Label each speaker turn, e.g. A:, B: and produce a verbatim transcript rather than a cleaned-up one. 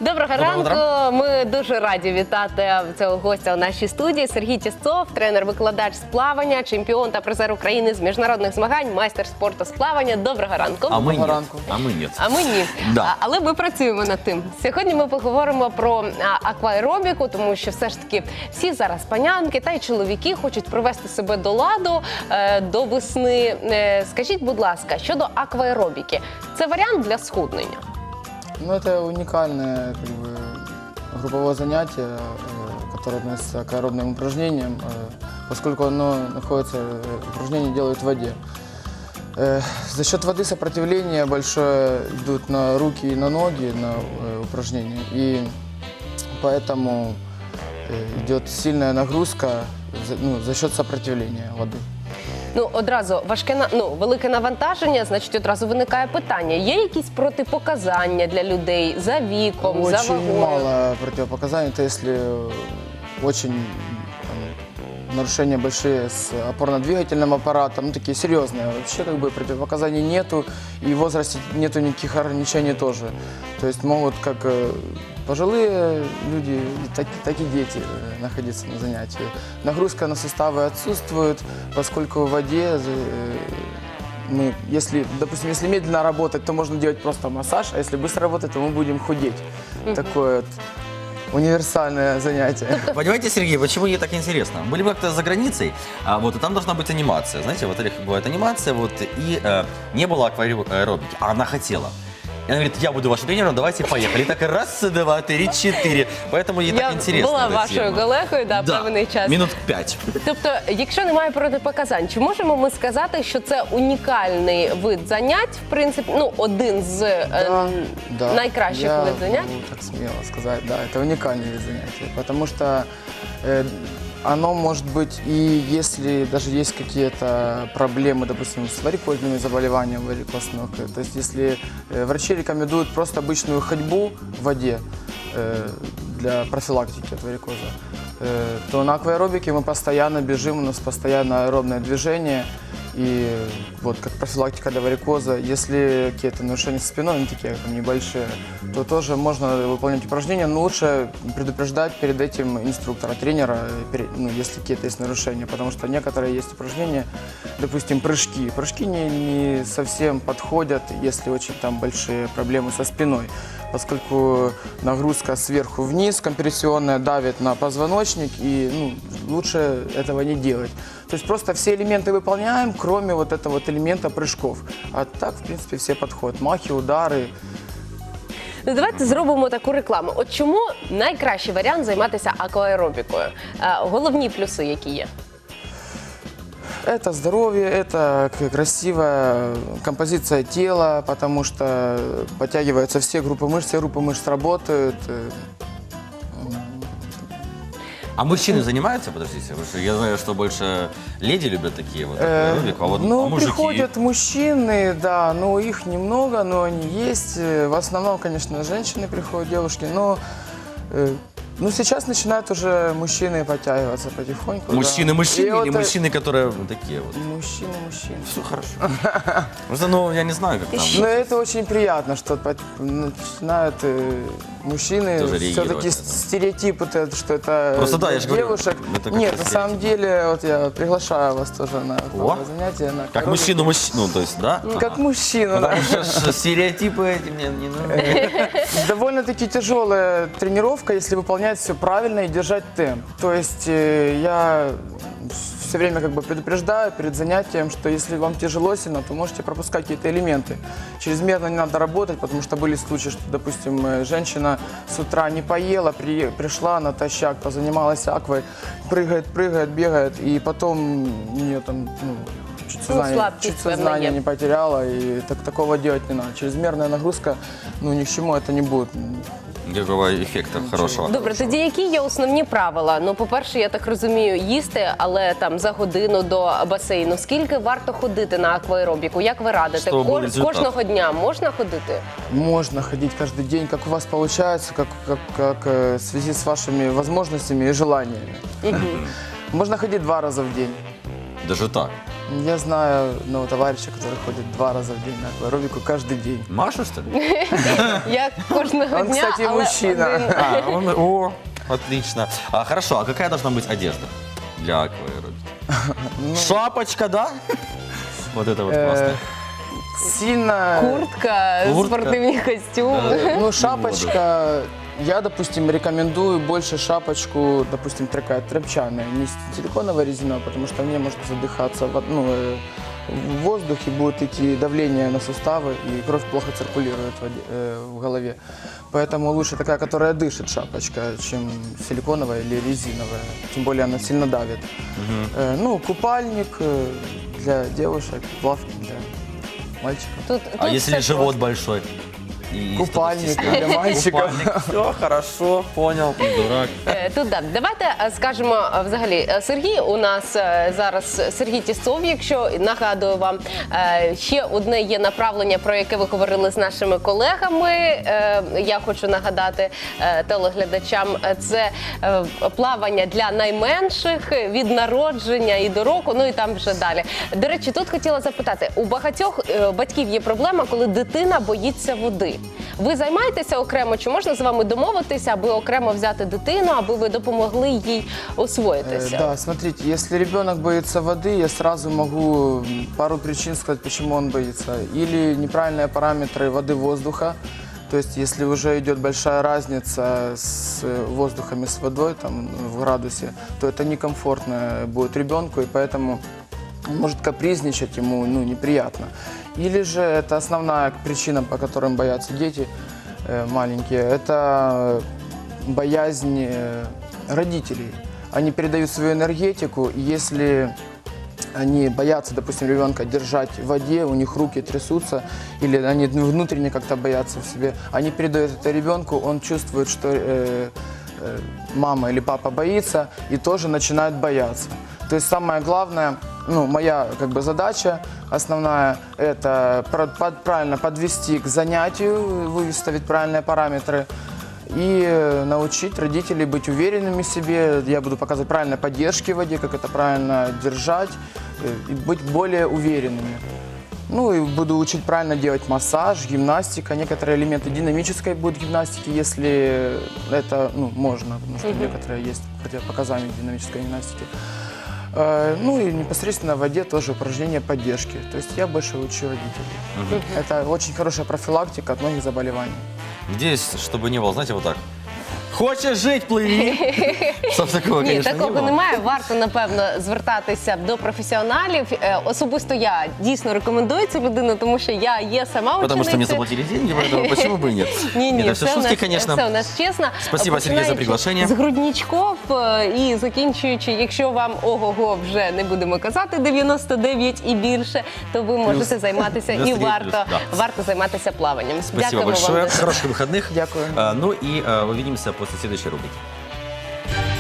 A: Доброго ранку. Ми дуже раді вітати цього гостя у нашій студії. Сергій Тістов, тренер-викладач з плавання, чемпіон та призер України з міжнародних змагань, майстер спорту з плавання. Доброго ранку.
B: А ми ні.
C: ранку.
B: А ми ні.
A: А ми ні.
B: Да.
A: А, але ми працюємо над тим. Сьогодні ми поговоримо про а, акваеробіку, тому що все ж таки всі зараз панянки та й чоловіки хочуть привести себе до ладу е, до весни. Е, скажіть, будь ласка, щодо акваеробіки, це варіант для схуднення?
C: Ну, это уникальное как бы, групповое занятие, э, которое относится к аэробным упражнениям, э, поскольку оно находится, э, упражнения делают в воде. Э, за счет воды сопротивление большое идут на руки и на ноги на э, упражнения, и поэтому э, идет сильная нагрузка за, ну, за счет сопротивления воды.
A: Ну, одразу важке, на- ну, велике навантаження, значить, одразу виникає питання. Є якісь протипоказання для людей за віком, за
C: Очень
A: вагою?
C: мало противопоказаний, это если очень там, нарушения большие с опорно-двигательным аппаратом, ну такие серьезные. Вообще как бы противопоказаний нету, и в возрасте нету никаких ограничений тоже. То есть могут как э, пожилые люди, и так, так и дети э, находиться на занятии. Нагрузка на суставы отсутствует, поскольку в воде э, мы, если, допустим, если медленно работать, то можно делать просто массаж, а если быстро работать, то мы будем худеть. Такое вот универсальное занятие.
B: Понимаете, Сергей, почему ей так интересно? Были бы как-то за границей, а, вот, и там должна быть анимация. Знаете, в отелях бывает анимация, вот, и э, не было акваэробики, а она хотела. И она говорит, я буду вашим тренером, давайте поехали. И так раз, два, три, четыре. Поэтому ей
A: Я
B: так интересно.
A: була
B: эта
A: вашою
B: тема.
A: колегою, да,
B: Да,
A: певний час.
B: минут пять.
A: Тобто, якщо немає протипоказань, чи можемо ми сказати, що це унікальний вид занять, в принципі, ну, один з е,
C: Да,
A: найкращих
C: я
A: вид занять?
C: могу так смело сказать, да, это уникальный вид занятия, потому что э, оно может быть, и если даже есть какие-то проблемы, допустим, с варикозными заболеваниями варикоз ног, э, то есть если э, врачи рекомендуют просто обычную ходьбу в воде э, для профилактики от варикоза, э, то на акваэробике мы постоянно бежим, у нас постоянно аэробное движение. И вот как профилактика для варикоза, если какие-то нарушения со спиной, ну, такие там, небольшие, то тоже можно выполнять упражнения, но лучше предупреждать перед этим инструктора, тренера, перед- ну, если какие-то есть нарушения, потому что некоторые есть упражнения, допустим, прыжки. Прыжки не, не совсем подходят, если очень там большие проблемы со спиной, поскольку нагрузка сверху вниз компрессионная давит на позвоночник, и ну, лучше этого не делать. То есть просто все элементы выполняем, кроме вот этого вот элемента прыжков. А так, в принципе, все подходят. Махи, удары.
A: Ну, давайте зробимо таку рекламу. От чому найкращий варіант займатися акваеробікою? Е, Головні плюси, які є?
C: Это здоровье, это к- красивая композиция тела, потому что подтягиваются все группы мышц, все группы мышц работают. э,
B: А мужчины занимаются, подождите? Потому что я знаю, что больше леди любят такие вот
C: Э,
B: акваэробику, а вот
C: ну,
B: а мужики...
C: приходят мужчины, да, но их немного, но они есть. Э, В основном, конечно, женщины приходят, девушки, но э, ну, сейчас начинают уже мужчины подтягиваться потихоньку. да.
B: Мужчины, мужчины
C: И
B: или
C: вот, э,
B: мужчины, которые вот такие вот?
C: Мужчины, мужчины.
B: Все хорошо. Просто, ну, я не знаю, как там.
C: Но это очень приятно, что по- начинают э, мужчины
B: Тоже реагировать
C: все-таки
B: на это.
C: стереотип, вот это, что это
B: Просто да,
C: для
B: я же говорю,
C: девушек.
B: это как
C: Нет,
B: раз
C: на самом деле, вот я приглашаю вас тоже на такое
B: О,
C: занятие. На
B: Как
C: акваэробику.
B: мужчину, мужчину, ну, то есть, да?
C: Ну, Как мужчину, да.
B: Потому что стереотипы эти мне не нужны.
C: Довольно-таки тяжелая тренировка, если выполнять все правильно и держать темп. То есть э, я все время как бы предупреждаю перед занятием, что если вам тяжело сильно, то можете пропускать какие-то элементы. Чрезмерно не надо работать, потому что были случаи, что, допустим, э, женщина с утра не поела, при- пришла натощак, позанималась аквой, прыгает, прыгает, бегает, и потом у нее там ну, чуть
A: Ну,
C: сознание,
A: слабкость
C: чуть
A: певная
C: сознание
A: есть.
C: не потеряла, и так, такого делать не надо. Чрезмерная нагрузка, ну ни к чему это не будет.
B: Никакого эффекта хорошего.
A: Добре, тоді які є основні правила? Ну, по-перше, я так розумію, їсти, але там за годину до басейну. Скільки варто ходити на акваеробіку? Як ви радите?
B: Щоб був
A: Кож-
B: результат.
A: Кожного дня можна ходити?
C: Можно ходить каждый день, как у вас получается, как, как, как э, в связи с вашими возможностями и желаниями. Можно ходить два раза в день.
B: Даже так.
C: Я знаю одного товарища, который ходит два раза в день на акваэробику каждый день.
B: Машу, что ли?
A: Я кожного
C: Он,
A: дня,
C: кстати,
A: але
C: мужчина.
A: один.
B: А, он, о, отлично. А, хорошо, а какая должна быть одежда для акваэробики? Шапочка, да? Вот это вот
C: Э,
B: классно.
C: Сильно...
A: Куртка,
B: Куртка.
A: спортивні костюми.
C: Ну, шапочка, я, допустим, рекомендую больше шапочку, допустим, такая тряпчаная, не силиконовая резиновая, потому что в ней можно задыхаться в, ну, э, в воздухе, будет идти давление на суставы, и кровь плохо циркулирует в, воде- э, в голове. Поэтому лучше такая, которая дышит, шапочка, чем силиконовая или резиновая. Тем более она сильно давит. Э, ну, купальник э, для девушек, плавки для мальчиков.
A: Тут,
B: А
A: тут
B: если
A: все
B: живот большой? И
C: Купальник
B: что-то
C: для мальчиков.
B: Все, хорошо, понял, не дурак.
A: Е, Тут так, давайте е, скажемо е, взагалі. е, Сергій у нас е, зараз Сергій Тістов, якщо нагадую вам, е, ще одне є направлення, про яке ви говорили з нашими колегами. Е, Я хочу нагадати е, телеглядачам, е, це е, плавання для найменших від народження і до року, ну і там вже далі. До речі, тут хотіла запитати, у багатьох е, батьків є проблема, коли дитина боїться води. Ви займаєтеся окремо, чи можна з вами домовитися, аби окремо взяти дитину, аби ви допомогли їй
C: Э,
A: освоїтися?
C: Да, смотрите, если ребенок боится воды, я сразу могу м, пару причин сказать, почему он боится. Или неправильные параметры воды-воздуха. То есть, если уже идет большая разница с э, воздухом и с водой там, в градусе, то это некомфортно будет ребенку, и поэтому он может капризничать, ему ну, неприятно. Или же это основная причина, по которым боятся дети э, маленькие, это боязнь э, родителей. Они передают свою энергетику, и если они боятся, допустим, ребенка держать в воде, у них руки трясутся, или они внутренне как-то боятся в себе, они передают это ребенку, он чувствует, что э, э, мама или папа боится, и тоже начинает бояться. То есть самое главное, ну, моя как бы задача основная, это про- под- правильно подвести к занятию, выставить правильные параметры, и э, научить родителей быть уверенными в себе. Я буду показывать правильные поддержки в воде, как это правильно держать, э, и быть более уверенными. Ну и буду учить правильно делать массаж, гимнастика, некоторые элементы динамической будут гимнастики, если это ну, можно, потому что некоторые есть противопоказания динамической гимнастики. Э, Ну и непосредственно в воде тоже упражнения поддержки. То есть я больше учу родителей. Это очень хорошая профилактика от многих заболеваний.
B: Здесь, чтобы не было, знаете, вот так. Хочеш жить, пливи. Чтоб такого,
A: Ні,
B: конечно,
A: такого
B: не было.
A: немає. Варто, напевно, звертатися до професіоналів. Е, Особисто я дійсно рекомендую цю людину, тому що я є сама
B: Потому что мне
A: ученицею.
B: заплатили деньги, поэтому почему бы и нет?
A: Ні, ні,
B: Это все
A: все, у
B: шутки,
A: нас,
B: конечно.
A: все у нас чесно.
B: Спасибо, Сергій, за
A: Починаючи
B: приглашення.
A: З грудничков е, і закінчуючи, якщо вам ого-го вже не будемо казати дев'яносто дев'ять і більше, то ви можете займатися і
B: дев'яносто дев'ять
A: варто,
B: плюс, да.
A: варто займатися плаванням.
B: Спасибо
A: Дякуємо
B: большое.
A: вам. за це.
B: Хороших выходных.
C: Дякую.
B: А, Ну и а, увидимся после следующей рубрики.